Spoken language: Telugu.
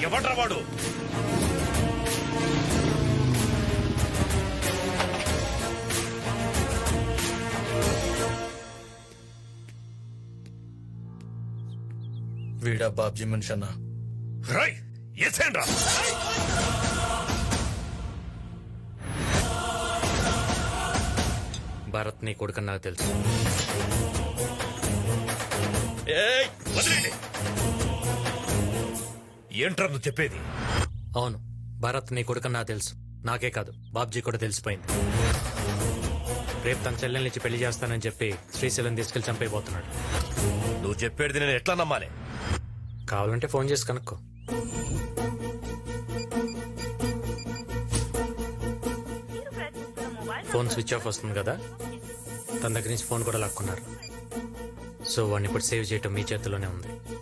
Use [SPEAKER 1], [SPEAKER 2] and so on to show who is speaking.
[SPEAKER 1] ఎవడ్రా వాడు?
[SPEAKER 2] వీడా బాబ్జీ మనిషి అన్నా.
[SPEAKER 1] రై ఎసేండ్రా.
[SPEAKER 3] భారత్ నీ కొడుకని నాకు తెలుసు.
[SPEAKER 1] ఏయ్, వదిలేండి. ఏంట్రా నువ్వు చెప్పేది?
[SPEAKER 3] అవును, భారత్ నీ కొడుకని నాకు తెలుసు. నాకే కాదు, బాబ్జీ కూడా తెలిసిపోయింది. రేపు తన చెల్లెల్ని ఇచ్చి పెళ్లి చేస్తానని చెప్పి శ్రీశైలం తీసుకెళ్లి చంపైపోతున్నాడు.
[SPEAKER 1] నువ్వు చెప్పేది నేను ఎట్లా నమ్మాలి?
[SPEAKER 3] కావాలంటే ఫోన్ చేసి కనుక్కో. ఫోన్ స్విచ్ ఆఫ్ వస్తుంది కదా, తన దగ్గర నుంచి ఫోన్ కూడా లాక్కున్నారు. సో వాడిని ఇప్పుడు సేవ్ చేయటం మీ చేతిలోనే ఉంది.